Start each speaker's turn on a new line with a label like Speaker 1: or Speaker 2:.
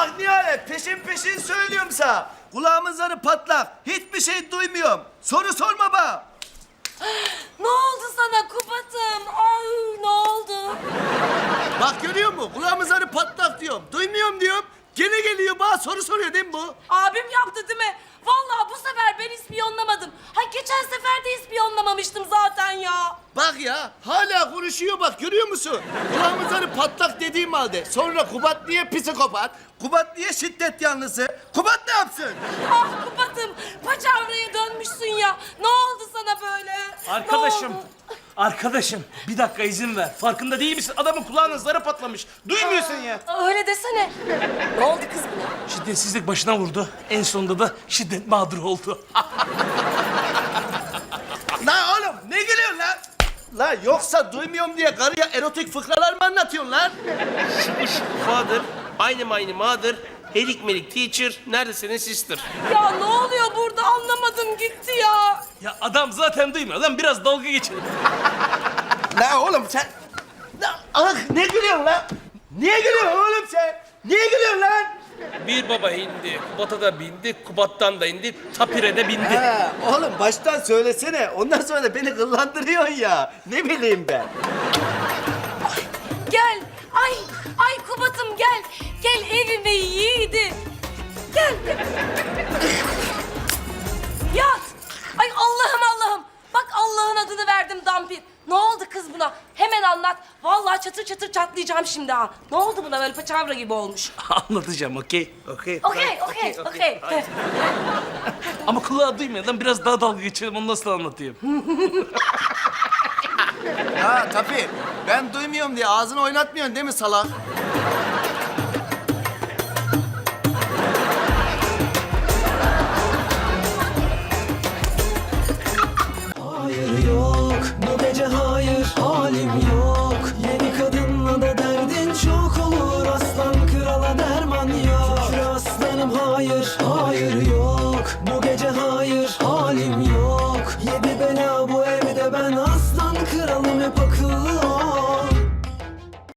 Speaker 1: Bak Nihalet peşin peşin söylüyorum sana. Kulağımın zarı patlak. Hiçbir şey duymuyorum. Soru sorma bana.
Speaker 2: Ne oldu sana Kubat'ım? Ay ne oldu?
Speaker 1: Bak görüyor musun? Kulağımın zarı patlak diyorum. Duymuyorum diyorum. Gene geliyor bana soru soruyor değil mi bu?
Speaker 2: Abim yaptı değil mi? Vallahi bu sefer ben ispiyonlamadım. Ha geçen sefer de ispiyonlamamıştım zaten ya.
Speaker 1: Bak ya hala konuşuyor bak görüyor musun? Kulağımın zarı patlak dediğim halde. Sonra Kubat niye psikopat? Kubat niye şiddet yanlısı? Kubat ne yapsın?
Speaker 2: Ah Kubat'ım paçavraya dönmüşsün ya. Ne oldu sana böyle?
Speaker 3: Arkadaşım,
Speaker 2: Ne oldu?
Speaker 3: arkadaşım bir dakika izin ver. Farkında değil misin? Adamın kulağının zarı patlamış. Duymuyorsun ya.
Speaker 2: Öyle desene. Ne oldu kız buna?
Speaker 3: Şiddetsizlik başına vurdu. En sonunda da şiddet mağduru oldu.
Speaker 1: Lan oğlum ne gülüyorsun lan? Lan yoksa duymuyorum diye karıya erotik fıkralar mı anlatıyorsun lan?
Speaker 4: Father, aynı mother, helik melik teacher, nerede senin sister?
Speaker 2: Ya ne oluyor burada anlamadım gitti ya.
Speaker 3: Ya adam zaten duymuyor. Lan biraz dalga geçelim.
Speaker 1: Lan oğlum sen... Lan, ah ne gülüyorsun lan? Niye gülüyorsun oğlum sen? Niye gülüyorsun lan?
Speaker 4: Bir baba indi, Kubat'a da bindi, Kubat'tan da indi, Tapire de bindi.
Speaker 1: Ha, oğlum baştan söylesene. Ondan sonra da beni kıllandırıyorsun ya. Ne bileyim ben.
Speaker 2: Gel. Ay Kubat'ım gel. Gel evime yiğidim. Gel. Yat. Ay Allah'ım. Bak Allah'ın adını verdim Dampir. Ne oldu kız buna? Hemen anlat. Vallahi çatır çatır çatlayacağım şimdi ha. Ne oldu buna böyle paçavra gibi olmuş?
Speaker 3: Anlatacağım okey? Okey.
Speaker 2: Okey.
Speaker 3: Ama kulağı duymuyor. Lan biraz daha dalga geçelim. Onu nasıl anlatayım?
Speaker 1: Ha tabii. Ben duymuyorum diye ağzını oynatmıyorsun değil mi salak?
Speaker 5: Hayır yok, bu gece hayır, halim yok. Yeni kadınla da derdin çok olur. Aslan krala derman yok. Şükür aslanım hayır, hayır yok.